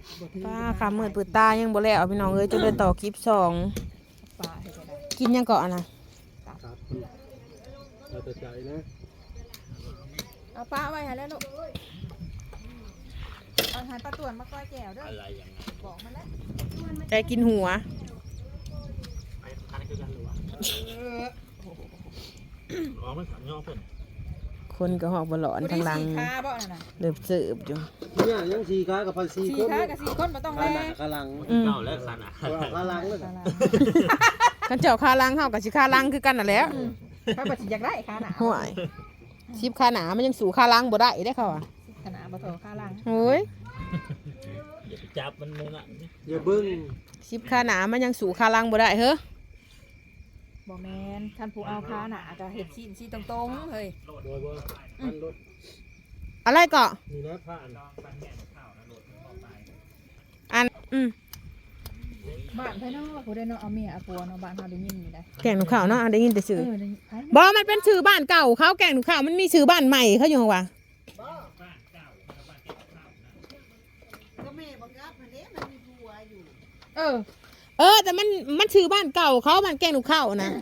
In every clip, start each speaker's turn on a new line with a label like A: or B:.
A: ป้าขามืดปืดตายังบ่แล้วพี่น้องเอ้ยจะเดินต่อคลิป2กินยังเกาะนะ
B: ครับเราจะใจนะ
C: เอาปลาไว้ให้แล้วลูกเอาหายปลาต่วนมาก้อยแก้วด้วยอะไรอย่างนั้นบอกมาแล้ว
A: ใจกินหัวคนก็หอกบหลอนทางหลังเดือบสืบอยู่
B: เนี่ยยัง4ขากับ4 คน
C: 4ขากับ4คนบ่ต้องแล
B: ขาหลัง
D: เก่าแล้วขาหนา
B: ขาหลังเลย
A: กันเจ้าขาหลังเฮากับสิขาหลังคือกันน่ะแหล้ว
C: เขาบ่สิอยากได้ขาหนา
A: ห่วยชิบขาหนามันยังสู่ขาหลังบ่ได้ได้เขาอ่ะ
C: ขาหนาบ่โถขาหลัง
A: โอ้ย
D: อย่าไปจับมันเลยนะ
B: อย่าบึ้ง
A: ชิบขาหนามันยังสู่ขาหลังบ่ได้เฮ้อ
C: บ่แม่นท่านผู้เอาขาหนาก็เฮ็ดชี้ตรงๆเฮ้ย
A: อะไรเกาะ
B: นี่นะผ่าน
C: บ้านไผเนาะผู้ใดเนาะเอาเมียเอาผัวเนาะบ้านเฮาได้ยินอยู่ได้
A: แกงหนูข้าวเนาะได้ยินแต่ชื่อบ่มันเป็นชื่อบ้านเก่าเขาแกงหนูข้าวมันมีชื่อบ้านใหม่เขาอยู่ว่าแต่มันชื่อบ้านเก่าเขามันแกงหนูข้าวนะ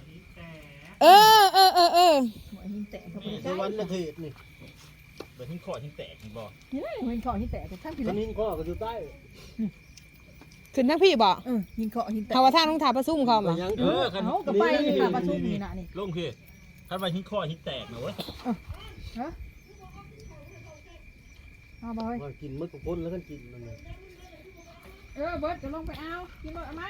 B: ในวันละเทศนี่
D: เปิดทิ้งคอทิ้งแตกทิ้งบ่
C: นี่หินเคาะหินแตกท่านพี่
B: หินข้อก็อยู่ใต้
A: ขึ้นทั้งพี่บ่
C: หินเคาะหินแตก
A: เขาว่าท่าต้องทาประซุ่มเขาบ่
C: เขาก็ไปนี่มาประชุมนี่น่ะนี่
D: ลงคือถ้าไปทิ้งคอทิ้งแตกนะเว้ย
C: ฮะเอาบ่
B: ว่ากินมื้อกับคนแล้วกันกินมันน่ะ
C: เบิดจะลงไปเอากินเบิดเอามา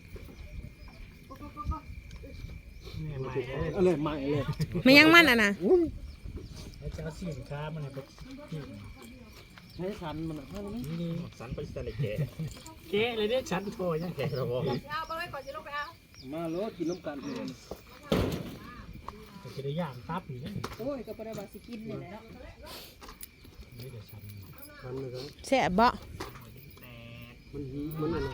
B: อะไรใหม่เลย
A: ไม่ยังมันอ่ะนะ
D: จะสินค้ามันไป
B: ใช้สันมัน
D: นี่สันไปใส่แกะเลยเนี่ยฉันโทรยังแกะเราบอก
C: เอาไปไว้ก่อนจะลงไปเอา
B: มาโลกินน้ำกันเอง
D: จะได้ย่างตับอยู่เนี่ย
C: โอ้ยก็บ่ได้ว่าสิกินนี่แหละเนาะ
D: นี่เดี๋ยวฉัน
B: เลยครับ
A: แซ่บบ่
B: มันอะไร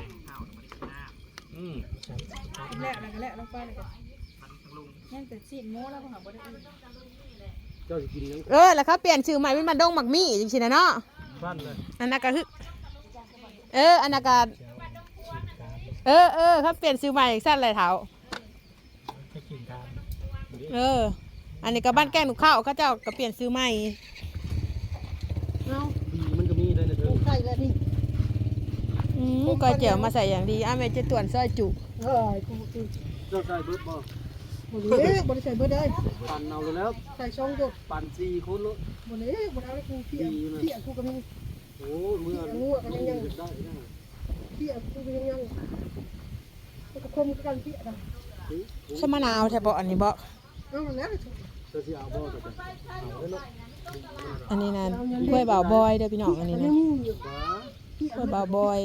C: แล้วลงไปเลยยังแต่ซีนโม้แล้วบ่หาบ่ได้อื่น
B: เจ้าสิกินยัง
A: แล้วเขาเปลี่ยนชื่อใหม่เป็นบันดงหมักมี่จริงๆนะเนาะ
B: บ้านเลย
A: อันนั้นก็คืออันนั้นก็เขาเปลี่ยนชื่อใหม่สั้นเลยเท้าอันนี้ก็บ้านแกงหนูข้าวเขาเจ้าก็เปลี่ยนชื่อใหม่
B: มันก็มีเลยนะเธอ
C: ใส่แล้วนี่
A: ก้อยเจียวมาใส่อย่างดีแม่จะต่วนซอยจุ
B: เจ้าใส่เบิร์ดบ่
C: บ่ได้ใส่เบิดได้
B: ปั่นเอาแล้ว
C: ใส่ช่องจุ
B: ปั่น4คนแล้ว
C: บ่ได้บ่เอาเลยกูเพี้ยกูก็มี
B: โอ้เมื่อ
C: ก็ยังได้เพี้ยกูก็ยังก็คมกันเพี้ยได้
A: สมะนาวแท้บ่อันนี้บ่
C: เอาแล้ว
B: จะสิเอาบ่ก็เอาเนาะ
A: อันนี้นะกล้วยบ่าวบอยเด้อพี่น้องอันนี้นะกล้วยบ่าวบอย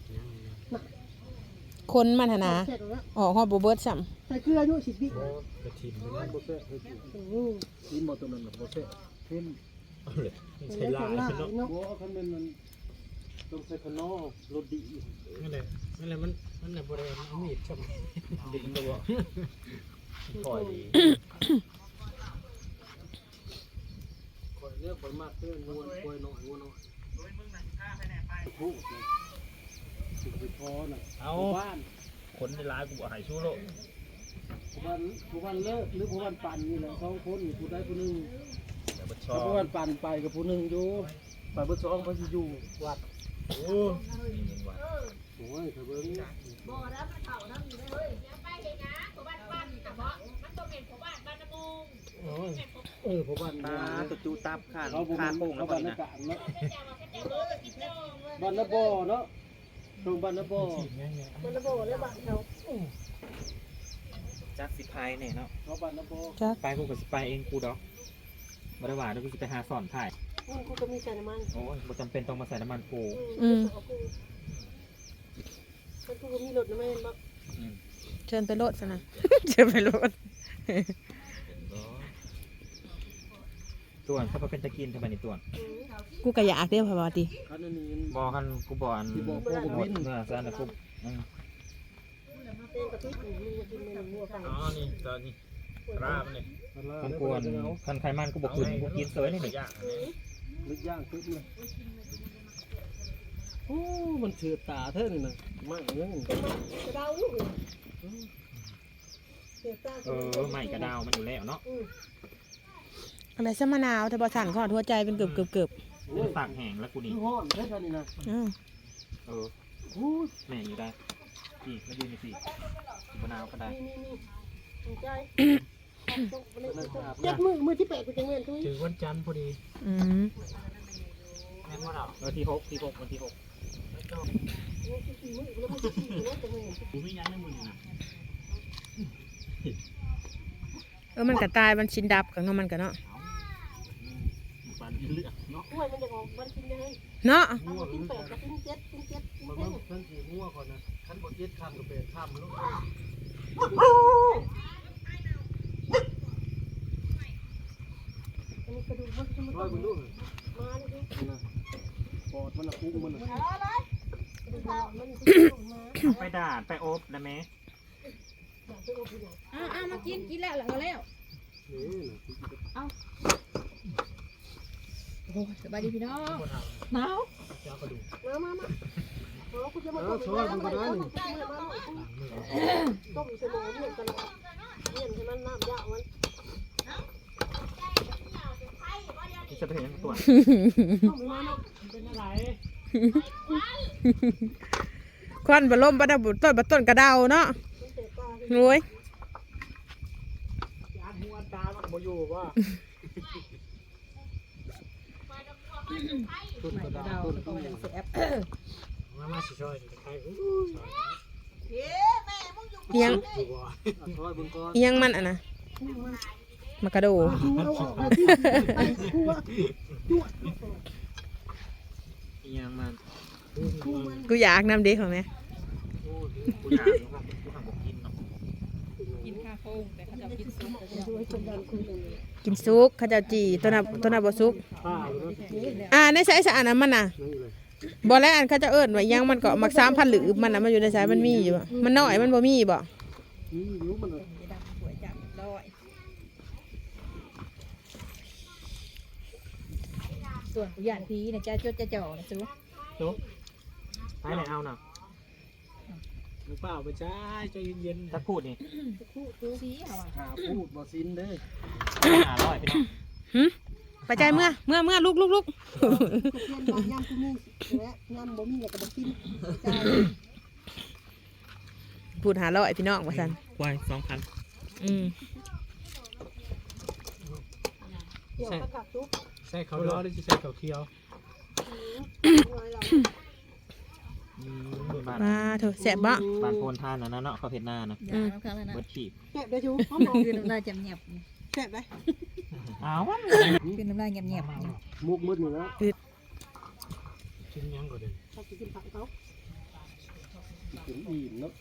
A: คนมันหนาฮอดบ่เบิดซ้ำ
C: ใส่เกลืออยู่10 วิ
B: กระถิ่นมันบ่แซ่บกินบ่ตัวนั้นบ่แซ่บเพิ่ม
D: ใส่ลายเนาะ
B: บ่คันแม่นมันต้องใส่ขนอรสดี
D: นั่นแหละมันน่ะบ่ได้เอามีดจับดินบ่ปล่อยดี
B: ข่อยเรียกข่อยมากเพิ่นนวลข่อยน้อยงัวน้อยพูดสิไปพอน่ะ
D: เอาบ้านคนในร้านกูบอกหายชู้โล
B: ผู้บ้านเลิกหรือผู้บ้านปั่นนี่แหละ2คนผู้ใดผู้นึงผู้บ้านปั่นไปกับผู้นึงอยู่ไปเบิด2ไปสิอยู่วัด
D: โอ้ย
B: ถ้าเบิ่ง
C: บ่รับมันเข้านำอยู่เด้อเฮ้ยอย่าไปเฮ็ดหยังผู้บ้านปั่นน่ะบ่มันต้องเป็นผู้บ้านบ้านน้ำมุง
B: ผู้บ้าน
D: ตะจูตับขาโป่งแล้ว
B: บ้าน
D: นะ
B: เนาะบ้านนาบ่เนาะตรงบ้านนาบ่
C: บ้านนาบ่แล้วบ้านเขา
D: จักสิพายเนี่ยเนาะ
B: บ้านนาบ่
D: ไปกูก็สิไปเองกูดอกบ่ได้ว่าเดี๋ยวกูสิไปหาสอนถ่าย
C: กูก็มีใส่น้ำมัน
D: โอ้ยบ่จำเป็นต้องมาใส่น้ำมันกู
C: กูก็มีรถน้ำมันบ่
A: เชิญไปรถซะนะเชิญไปรถ
D: ต่วนเขาเป็นตะกินทำไมนี่ต่วน
A: กูก็อยากเด้อพ่อบ่ติ
D: บ่คันกูบ่อัน
B: บ่
D: หมดเมื่อซะนะกูอ๋อนี่ตอนนี้ราบนี่มันกวนคันไขมันกูบอกคืนกูกินเสยนี่หนึ่ง
B: ลึกย่างตึ๊บเลยโอ้มันเสือตาเท่านี่นะมากอย่างนี้
E: กระดาวลูกเสียตา
D: ใหม่กระดาวมันอยู่แล้วเนาะ
A: อะไรซะมะนาวแต่บ่สั่นขอหัวใจเป็นเกือบ
D: เป็นฝากแห้งแล้วกูนี่
B: ห้อนเท่านี้นะ
A: ๆอ้าว
D: แม่อยู่ได้พี่มายืนสิมะนาวก็ได้
E: นี่ใจยัดมือที่แปะกูจังเงินทุย
D: ถึงวันจันทร์พอดี
A: อืม
D: แม่นว่าเราวันที่6วันที่6กูไม่ยั้งในมือนะ
A: มันก็ตายมันชินดับกับมันก็เนาะ
D: ปันเลือดเนาะ
E: กล้วยมันจะออกมันกินยังไง
A: เนาะ
E: มันกินแปดกับกินเจ็ดกินเจ็ดกิน
B: มัน
E: เจ็ด
B: ท่านสีงัวก่อนนะขั้นบดเย็ดข้ามกับเป็นข้ามมันลูก
E: อันนี้กระดูกมันจะมา
B: ร้อยมันลูก
E: มาดิ
B: ปอดมันคุ้งมัน
E: อะไรกระดูกมันจะมา
D: ไปด่าไปอบนะแม่
C: มากินแล้วแล้วแล้วโอ้สบายดีพี่น้องหนาว
D: เจ้ากระดูก
E: มาคุณจะมาต้มต้มเสมอเนี่ยตลอดเนี่ยให้มันน้ำยาวมัน
D: ที่จะไปเห็นตัว
E: ต้มมาเนาะ
D: เป็นอะไร
A: ควันบะล่มบะดาบุต้นกระเดาเนาะ
E: มันเตะตา
A: โอ้ย
D: ยานหัวตามันบ่อยู่ว่า
B: ต้นกระดาษต้นตู้
D: มาสิช่วยใคร
A: เอียง
B: ร้อยบนก้อน
A: เอียงมันอ่ะนะมากระโด
D: ยังมัน
A: กูอยากนำเด็กของแม่
D: กูอยากกูทำบอกกินเนาะ
C: กินข้าวโค้งแต่เขาจะกินซุป
A: กินซุกข้าวเจ้าจีตัวน่ะบ่ซุก
B: ผ้า
A: ในสายสารน่ะมันน่ะ
B: นี่เลย
A: บ่แล้วอันเขาจะเอิ้นว่ายังมันก็มัก3,000หรือมันน่ะมันอยู่ในสายมันมีอยู่มันน้อยมันบ่มีบ่
B: นี่รู้มัน
C: ดำสวยจังร้อยส่วนผู้หญิงพีเนี่ยจะจดจะจ่อนะซู
D: จุ๊บไปไหนเอาน่ะเปล่าไปใช้ใจเย็นๆถ้าพูดนี่
C: ซีเอาอ่ะ
B: หาพูดบ่ซินเด้
D: 500พี่น้อง
A: ไปใจเมื่อลุก
E: เพื่อนบ้านยำกูมีและยำบ่มีเนี่ยก็บ่กิน
A: พูด500พี่น้องว่าซั่น
D: ควาย2,000
E: เกี่ยวกับกับซุป
D: ใส่เขาล้อหรือจะใส่เขาเคียว
E: น้อยเรา
D: บ้าน
A: ว้าเถอะแซ่บบ่
D: บ้านโพนทานนะเนาะเขาเห็ดหน้านะ
C: อย่างน้ำค้างเลยนะ
D: เบิดขีด
E: แซ่บได้ชูหอม
C: คือน้ำลายจำเงียบ
E: แซ่บได้
D: อ้าว
C: คือน้ำลายเงียบ
B: มุกมืดอยู่แล้ว
D: ชิ้นยังก่อนเลย
E: เขากินผักเขา
B: กินอิ่มเนาะ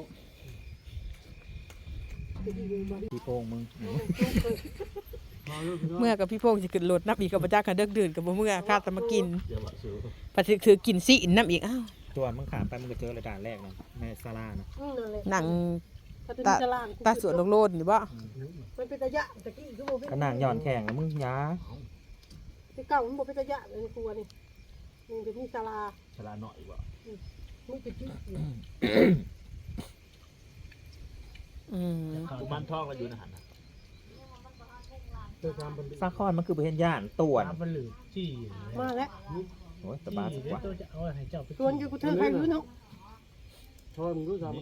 D: พี่โป่งมึง
A: เมื่อกับพี่โพงสิขึ้นรถนับอีกกับบ่จักกันเดึกดื่นกับบ่เมื่อคาดแต่มากิน
D: เดี๋ยวซื้อ
A: ปฏิถือกินสิน้ำอีกอ้าว
D: ตัวมึงขามไปมึงก็เจอระดานแรกนะแม่ซาร่านะ
E: นั่นแหละ
A: หนัง
E: ถ้าเป็นตลาด
A: ตาสวนโลดๆนี่บ่
E: มันเป็นตะยะตะกี้คือบ่เป็น
D: กระนางย้อนแข่งแล้วมึงยา
E: ที่เก่ามันบ่เป็นตะยะเลยครัวนี่นี่เป็นมีศาลา
D: ชลาหน่อยว่ะ
E: มึงเป็นจุด
D: บ้านท่องเราอยู่นะหัน
B: เจ้าทำเป็น
D: ซาคอนมันคือประเทศย่านต่วน
B: มันหรือจี้
E: มาแล้ว
D: โอ้ยสบายสุดว่ะ
B: ตัวจะเอาให้เจ้าไป
E: ชวนอยู่กูเธอใครรู้เนาะ
B: ทอนรู้ทำ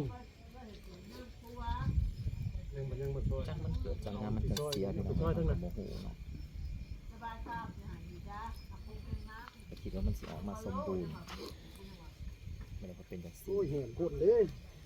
B: ยังมาทอน
D: จังมันเกิดจากงานมันจะเสียไปนะโมโหเนาะแต่คิดว่ามันสิออกมาสมบูรณ์ไม่ได้เป็นอย่างสิ
B: โอ้ยเห็นคนเลย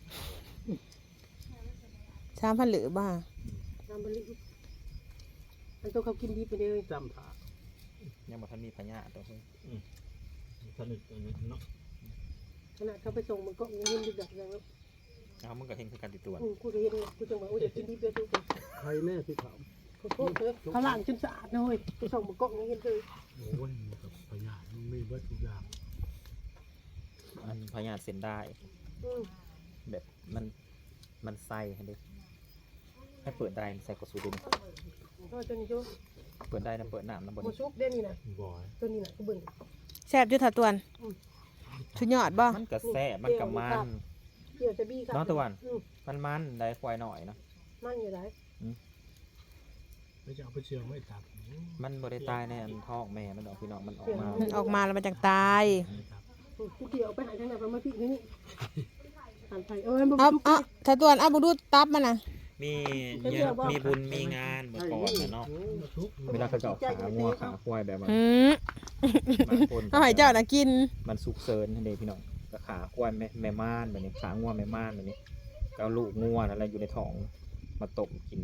A: 3,000หรือบ่
E: น้ำบริอันตัวเขากินดีไปเลย
B: จำผา
D: ยังบ่ทันมีพญาตัวเพิ่ง
B: สนิทเนาะ
E: ขนาดเขาไปส่งมันก็เงินดีแบบนั้น
D: เอามึงก็เห็นคือการติดตัว
E: กูจะเห็นกูจะบอกว่าจะกินดีไปทุกคน
B: ใครแน่ที่เขา
E: ขอโทษเถอะเขาล้างจนสะอาดนะเว้ยไปส่งมันก็เงินเลย
B: โอ้ยกับพยานมันไม่เบิดทุกอย่าง
D: อันพญาเส้นได้ แบบมันใส่ให้ดิให้เปิดได้ใส่กระสุนดิ
E: ก็ตัวนี้จู
D: เปิดได้นะเปิดน้ำนะบน
E: โมชุกเด่นนี่นะ
B: บ่อย
E: ตัวนี้นะกูเบิ่ง
A: แซ่บอยู่ถ้าตวนชุดยอดบ่
D: มันก็แซ่บมันก็มัน
E: เกี่ยวจะบี้ครับ
D: น้องตะวันมันได้ควายหน่อยเนาะ
E: มันอยู่ไหน
B: ไม่จะเอาไปเชียงไม่ตัด
D: มันบ่ได้ตายในอันท้องแม่มันดอกพี่น้องมันออกมา
A: มันออกมาแล้วมันจังตาย
E: กูเกี่ยวไปหาทางไหนมาพี่นี่หันไป
A: ถ้าตัวเอาบ่ดูตับมันน่ะ
D: มีเนี่ยมีบุญมีงานเมื่อก่อนนะเนาะเวลาเขาจะเอาขางัวขาควายแบบว่า บางคน
A: เอาให้เจ้าน่ะกิน
D: มันสุกเซินทันเดพี่น้องก็ขาควายแม่ม่านแบบนี้ขางัวแม่ม่านแบบนี้ก็เอาลูกงัวอะไรอยู่ในท้องมาต้มกิน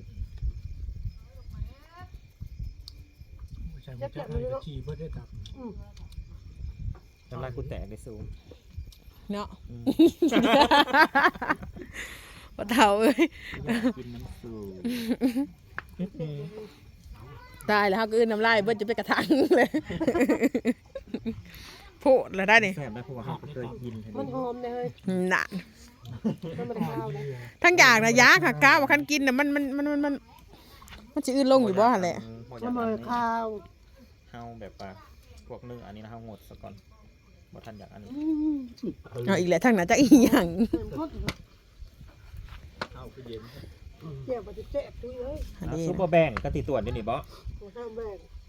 B: ใช่ไม่ใช่ให้กระชีเพื่อได้ตับ
D: น้ำลายกูแตกไปสูง
A: เนาะบ่เฒ่าเอ้ย
D: กินน้ำสูง
A: ตายแล้วเฮาก็อื่นน้ำลายเบิดจะไปกระทังเลยโพดแล้วได้นี่
D: แซ่บได้เพราะว่าเขาเคยกินทัน
E: มัน
D: เด
E: หอมเลย
A: น่ะ
E: มันไม่ข้าวเลย
A: ทั้งอย่างน่ะยาค่ะก้าวว่าคันกินน่ะมันสิอื่นลงอยู่บ่หั่นแหละ
E: มันไม่ข้าว
D: เฮาแบบว่าพวกเนื้ออันนี้นะเฮางดซะก่อนบ่ทันอยากอันนี้
A: เอาอีกแล้วทั้งนั้นจะอีหยัง
B: เอาไปเย็น
E: เกี่ยวมันจะเจ็บทุยเลย
A: อันนี้
D: ซุปเปอร์แบงก์ก็ติดตัวนี่นี่บ่
E: มันข้าวแม่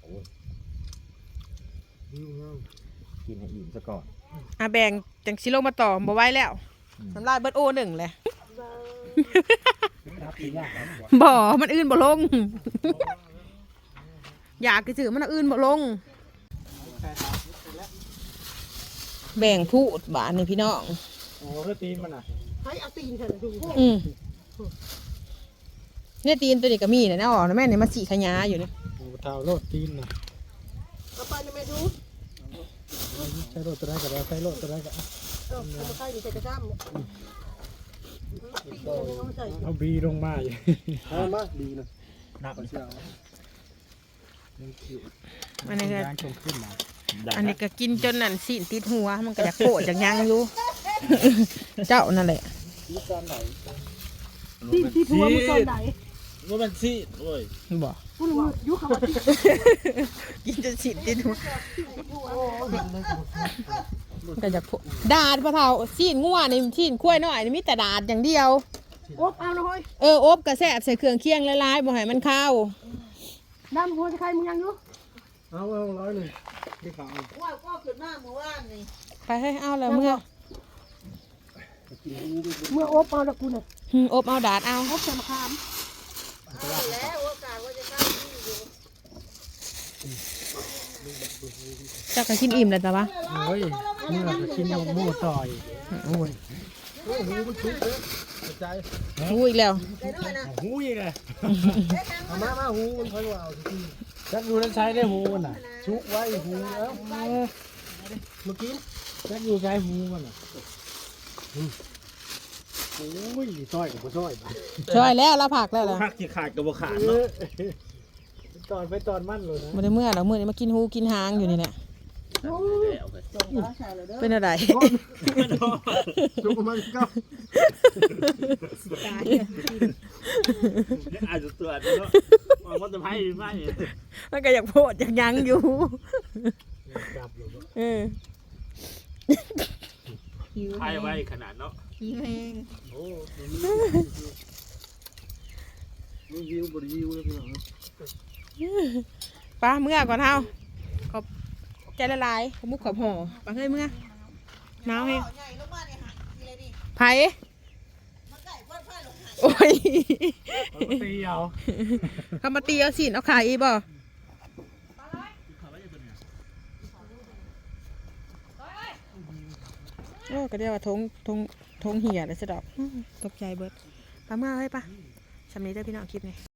D: กินให้อิ่มซะก่อน
A: แบ่งจังสิลงมาต่อบ่ไหวแล้วน้ำลายเบิดโอหนึ่งเลยบ่มันอื่นบ่ลง อยากถือมันอื่นบ่ลง แบ่งพูดบาทนี่พี่น้อง
B: โอ้ก็ตีนมันอ่ะ
E: ให้เอาตีนเถอะดู
A: เนี่ยตีนตัวนี้ก็มีนะเนี่ยอ๋อแม่เนี่ยมาสีขยาอยู่เนี่ย
B: โอ้เท้าโลดตีนนะ
E: เอาไปนะแม่ดู
B: ใช้โลดตัวไหนก็ได้ใช้โลดตัวไหนก็
E: เอามาใส่ดิใส่กระชับเนี่ย
B: เอาบีลงมาอยู่เอามาดีนะ
D: นับ
B: เชียว
A: อันนี้ก็
B: ย่างชมขึ้นมา
A: อันนี้ก็กินจนนั่นสีนติดหัวมันก็อยากโกรธอยากยังอยู่ เจ้านั่นแหละ
B: มีการไหน
E: ที่ทัวร์มึงตอนไหน
B: ว่ามันซีดโอ้ย
A: บ่
E: กูรู้ยุคเขาว่าที่
A: กินจนสีนติดหัวมันก็อยากโกรธดาดปะเท่าสีนงัวนี่สีนข้วยน้อยนี่มีแต่ดาดอย่างเดียว
E: โอ๊บเอาหน่อย
A: อบกระแสบใส่เครื่องเคียงหลายๆบ่ให้มันเข้า
E: น้ำหัวจะใครมึงยังอยู่
B: เอา100เลยที่เขา
E: ว่าก็ขึ้นหน้าเมื่อวานนี่
A: ไปให้เอาแล้วเมื่อ
E: เมื่อโอ๊บเอาแล้วกูน่ะ
A: อบเอาดาดเอา
E: โอ๊บใส่มะขามแล้วโอกาสว่าจะเข้าที่อยู่
A: เจ้าก็กินอิ่มแล้วจ้ะวะ
B: โอ้ยเมื่อกินยำหมูต่อย
A: โอ้ย
B: หูมันชุบเลยใจ
A: หูอีกแล้ว
B: หูอีกเลยมาหูมันค่อยว่าเอาที่จักอยู่นั้นใช้ได้หูมันน่ะชุบไว้หูแล้วเมื่อกี้จักอยู่ใช้หูมันน่ะโอ้ยซอยกับบ่ซอย
A: ช่วยแล้วเราผักแล้วล่ะ
D: ผักที่ขาดกับบ่ขาด
B: เอ
D: เนาะ
B: อตอนไปตอนมั่นเลยนะ
A: บ่ได้เมื่อเราเมื่อนี้มากินหูกินหางอยู่นี่แหละเป็นอะไร
B: จุกมันก็
D: อาจจะตัวเนาะมันจะไพ่ไม่
A: มันก็อยากโพดอยากยังอยู่
B: จับเลย
A: เออ
D: ไพ่ไว้ขนาดเนาะ
A: หิวแห้ง
B: โอ้มันวิวบริวิวเลยพี่น้อง
A: ป้าเมื่อก่อนเฮาขอบใจละลายขอบมุกขอบห่อป้าเฮ้ยเมื่อหนาวแห้งไผ่โอ้ย
B: ตีเอา
A: เขามาตีเอาสินเอาขายอีบ่โอ้ก็เรียกว่าทงเหี่ยเลยสะดอกตกใจเบิดป้าเมื่อเฮ้ยป้าสำนี้ได้พี่น้องคลิปนี้